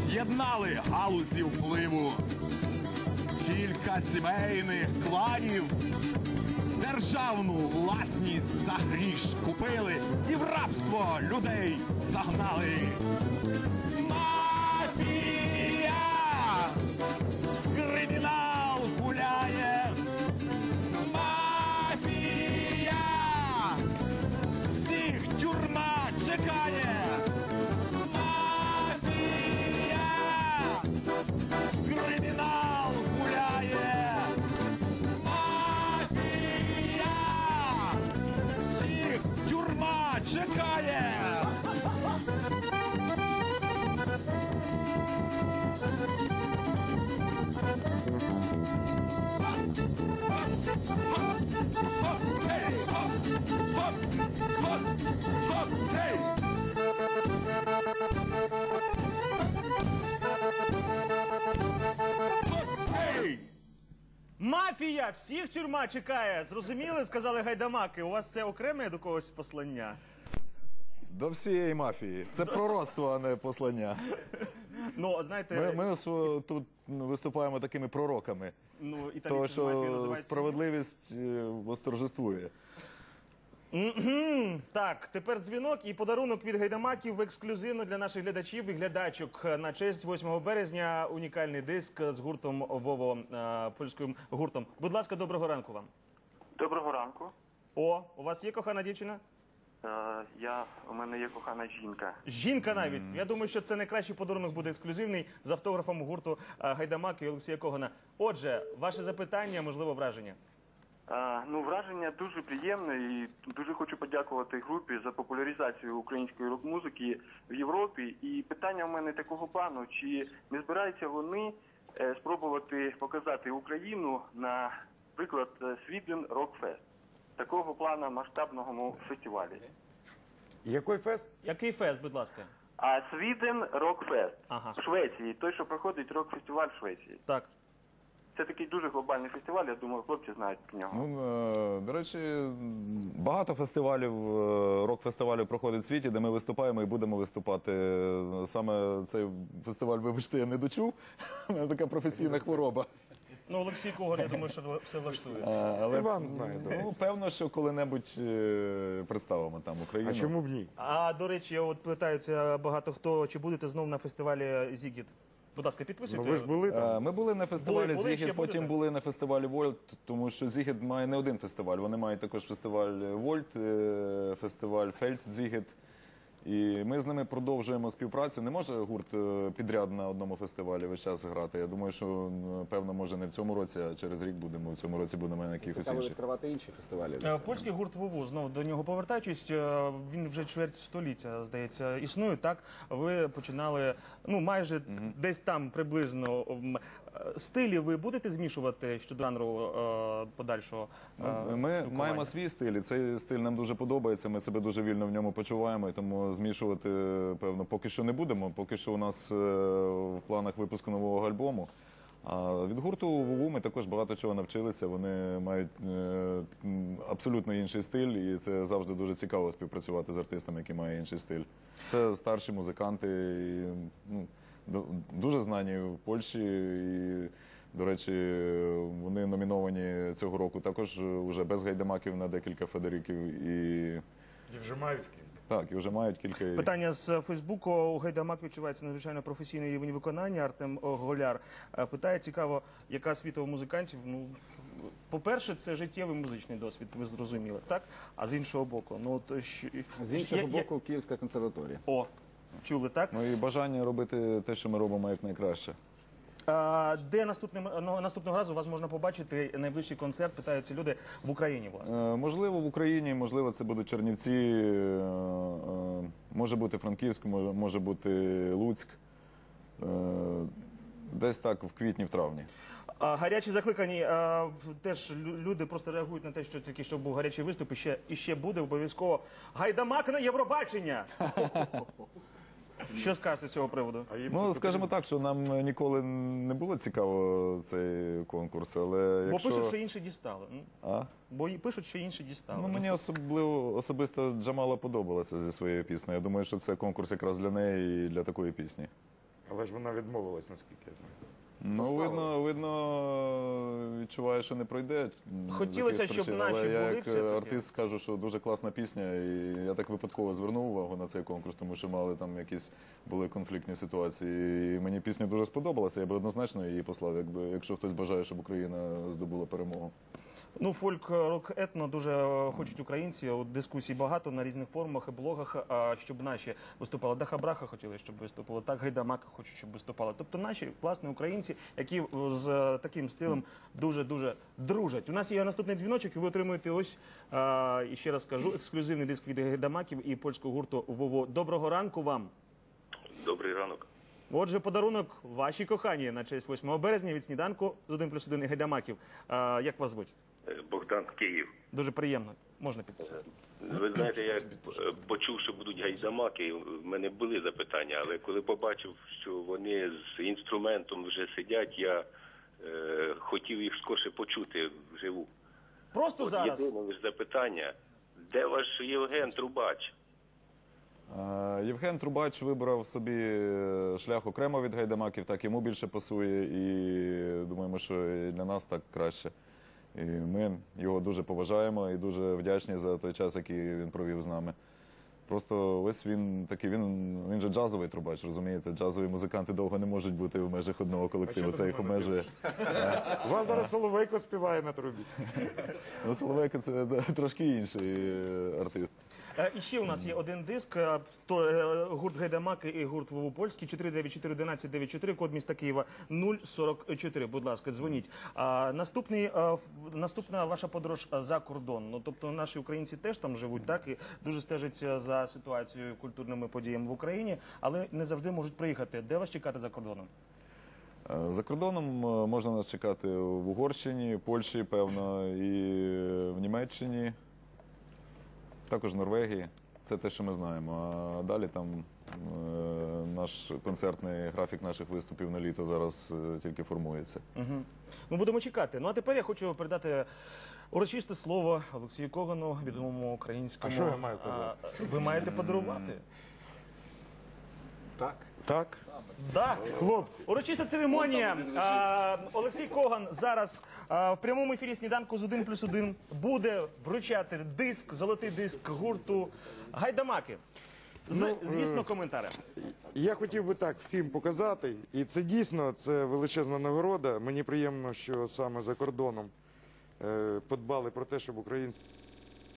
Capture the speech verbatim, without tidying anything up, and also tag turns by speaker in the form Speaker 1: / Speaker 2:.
Speaker 1: з'єднали галузі впливу. Кілька сімейних кланів державну власність за гріш купили і в рабство людей загнали. Мафія! Кримінал гуляє! Мафія! Всіх тюрма чекає! Мафія! Кримінал гуляє! Мафія! Всіх тюрма чекає!
Speaker 2: Мафія! Всіх тюрма чекає! Зрозуміли? Сказали гайдамаки. У вас це окреме до когось послання?
Speaker 3: До всієї мафії. Це пророцтво, а не послання.
Speaker 2: Ну, знаєте...
Speaker 3: Ми, ми ось тут виступаємо такими пророками.
Speaker 2: Ну, італійці
Speaker 3: Того,
Speaker 2: з мафією
Speaker 3: що
Speaker 2: називають...
Speaker 3: справедливість е, восторжествує.
Speaker 2: Мгм. Так, тепер дзвінок і подарунок від гайдамаків ексклюзивно для наших глядачів і глядачок. На честь восьмого березня унікальний диск з гуртом Вово, е, польським гуртом. Будь ласка, доброго ранку вам.
Speaker 4: Доброго ранку.
Speaker 2: О, у вас є кохана дівчина?
Speaker 4: Е, я, у мене є кохана жінка.
Speaker 2: Жінка навіть. Я думаю, що це найкращий подарунок буде ексклюзивний з автографом гурту е, Гайдамаки і Олексія Когана. Отже, ваше запитання, можливо, враження.
Speaker 4: Е, ну, враження дуже приємне і дуже хочу подякувати групі за популяризацію української рок-музики в Європі. І питання в мене такого плану, чи не збираються вони е, спробувати показати Україну на, приклад, Sweden Rock Fest, такого плану масштабного фестивалю.
Speaker 5: Який фест?
Speaker 2: Який фест, будь ласка?
Speaker 4: А Sweden Rock Fest
Speaker 2: Ага.
Speaker 4: в Швеції, той, що проходить рок-фестиваль в Швеції.
Speaker 2: Так.
Speaker 4: Це такий дуже глобальний фестиваль, я думаю, хлопці знають про нього.
Speaker 3: Ну, е, до речі, багато фестивалів, е, рок-фестивалів проходить в світі, де ми виступаємо і будемо виступати. Саме цей фестиваль, вибачте, я не дочув. У мене така професійна хвороба.
Speaker 2: Ну, Олексій Коган, я думаю, що все влаштує.
Speaker 3: А, але,
Speaker 5: Іван знає, добре.
Speaker 3: ну, певно, що коли-небудь е, представимо там Україну.
Speaker 5: А чому б ні?
Speaker 2: А, до речі, от питаються багато хто, чи будете знов на фестивалі Зігіт? Будь ласка,
Speaker 5: Ну
Speaker 2: підписуйте.
Speaker 5: ви ж були
Speaker 3: Е,
Speaker 5: там?
Speaker 3: Ми були на фестивалі
Speaker 2: Були, були, ще
Speaker 3: Зігід, потім
Speaker 2: будете?
Speaker 3: були на фестивалі Вольт, тому що Зігід має не один фестиваль. Вони мають також фестиваль Вольт, е, фестиваль Фельдс Зігід. І ми з ними продовжуємо співпрацю. Не може гурт е, підряд на одному фестивалі весь час грати. Я думаю, що м, певно, може не в цьому році, а через рік будемо. В цьому році будемо на якихось
Speaker 6: Цікаво
Speaker 3: інших.
Speaker 6: відкривати інші фестивалі.
Speaker 2: Е, Польський гурт Вову, знову до нього повертаючись, е, він вже чверть століття, здається, існує, так? Ви починали, ну, майже десь там приблизно. м, е, Стилі ви будете змішувати щодо жанру е, подальшого? е,
Speaker 3: Ми
Speaker 2: спілкування?
Speaker 3: маємо свій стиль, і цей стиль нам дуже подобається. Ми себе дуже вільно в ньому почуваємо, і тому змішувати, певно, поки що не будемо. Поки що у нас е, в планах випуску нового альбому. А від гурту Вову ми також багато чого навчилися. Вони мають е, м, абсолютно інший стиль, і це завжди дуже цікаво співпрацювати з артистами, які мають інший стиль. Це старші музиканти, і, ну, ду- дуже знані в Польщі. І, до речі, вони номіновані цього року також уже без гайдамаків на декілька Федериків. І
Speaker 5: І вже мають кілька.
Speaker 3: так, і вже мають кілька.
Speaker 2: Питання з Фейсбуку. У Гайдамак відчувається надзвичайно професійний рівень виконання. Артем Голяр е, питає, цікаво, яка освіта у музикантів. Ну, по-перше, це життєвий музичний досвід, ви зрозуміли, так? А з іншого боку, ну от що
Speaker 6: З іншого
Speaker 2: я- я-
Speaker 6: боку, Київська консерваторія.
Speaker 2: О, чули, так?
Speaker 3: Ну і бажання робити те, що ми робимо якнайкраще.
Speaker 2: А, де наступним ну, наступного разу вас можна побачити найближчий концерт? Питаються люди в Україні, власне.
Speaker 3: Е, Можливо, в Україні, можливо, це будуть Чернівці, е, е, може бути Франківськ, може, може бути Луцьк. Е, Десь так в квітні, в травні.
Speaker 2: А, гарячі закликані. А, в- теж лю- люди просто реагують на те, що тільки що був гарячий виступ, і ще, і ще буде обов'язково. Гайдамак на Євробачення! Що скажете з цього приводу?
Speaker 5: А їм
Speaker 3: Ну,
Speaker 5: це
Speaker 3: скажімо так, що нам ніколи не було цікаво цей конкурс, але
Speaker 2: Бо
Speaker 3: якщо...
Speaker 2: пишуть, що інші дістали. М?
Speaker 3: А?
Speaker 2: Бо і пишуть, що інші дістали.
Speaker 3: Ну, мені особливо, особисто Джамала подобалася зі своєю піснею. Я думаю, що це конкурс якраз для неї і для такої пісні.
Speaker 5: Але ж вона відмовилась, наскільки я знаю.
Speaker 3: Ну, видно, видно, відчуваю, що не пройде. з
Speaker 2: Хотілося,
Speaker 3: якихось
Speaker 2: щоб
Speaker 3: причин.
Speaker 2: наші
Speaker 3: Але я
Speaker 2: були
Speaker 3: як
Speaker 2: все-таки.
Speaker 3: артист скажу, що дуже класна пісня, і я так випадково звернув увагу на цей конкурс, тому що мали там якісь були конфліктні ситуації. І мені пісня дуже сподобалася, я би однозначно її послав, якби, якщо хтось бажає, щоб Україна здобула перемогу.
Speaker 2: Ну, фольк, рок, етно дуже е, хочуть українці. От дискусій багато на різних форумах і блогах, а, щоб наші виступали. Даха Браха хотіли, щоб виступили. Так, Гайдамаки хочуть, щоб виступали. Тобто наші, власне, українці, які з е, таким стилем дуже-дуже дружать. У нас є наступний дзвіночок, і ви отримуєте ось, е, і ще раз кажу, ексклюзивний диск від Гайдамаків і польського гурту «Вово». Доброго ранку вам.
Speaker 7: Добрий ранок.
Speaker 2: Отже, подарунок вашій коханій на честь восьмого березня від сніданку з один плюс один і Гайдамаків. Е, як вас звуть?
Speaker 7: Е, Богдан, Київ.
Speaker 2: Дуже приємно. Можна підписати.
Speaker 7: Ви знаєте, я е, почув, що будуть гайдамаки. В мене були запитання, але коли побачив, що вони з інструментом вже сидять, я е, хотів їх скорше почути вживу.
Speaker 2: Просто
Speaker 7: От
Speaker 2: зараз.
Speaker 7: єдине лише запитання, де ваш Євген Трубач?
Speaker 3: Е, Євген Трубач вибрав собі шлях окремо від Гайдамаків, так йому більше пасує, і думаємо, що і для нас так краще. І ми його дуже поважаємо і дуже вдячні за той час, який він провів з нами. Просто ось він такий, він, він же джазовий трубач, розумієте? Джазові музиканти довго не можуть бути в межах одного колективу, це їх обмежує.
Speaker 5: У вас зараз Соловейко співає на трубі.
Speaker 3: Ну, Соловейко – це да, трошки інший е, артист.
Speaker 2: Е, І ще у нас є один диск, е, то е, гурт Гайдамаки і гурт Вову Польський, чотири дев'ять чотири одинадцять дев'ять чотири, код міста Києва нуль сорок чотири. Будь ласка, дзвоніть. А, наступний, е, в- наступна ваша подорож е, за кордон. Ну, тобто наші українці теж там живуть, так, і дуже стежать е, за ситуацією, культурними подіями в Україні, але не завжди можуть приїхати. Де вас чекати за кордоном?
Speaker 3: Е, За кордоном е, можна нас чекати в Угорщині, Польщі, певно, і в Німеччині, також в Норвегії. Це те, що ми знаємо. А далі там е, наш концертний графік наших виступів на літо зараз е, тільки формується.
Speaker 2: Угу. Ми будемо чекати. Ну а тепер я хочу передати урочисте слово Олексію Когану, відомому українському.
Speaker 5: А що я маю казати?
Speaker 2: А, ви маєте подарувати.
Speaker 6: Так.
Speaker 5: Так?
Speaker 2: Так.
Speaker 5: Хлопці,
Speaker 2: Урочиста церемонія. А, Олексій Коган зараз а, в прямому ефірі сніданку з один плюс один буде вручати диск, золотий диск гурту Гайдамаки. З,
Speaker 5: Ну,
Speaker 2: звісно, коментарем.
Speaker 5: я хотів би так всім показати, і це дійсно це величезна нагорода. Мені приємно, що саме за кордоном е, подбали про те, щоб українці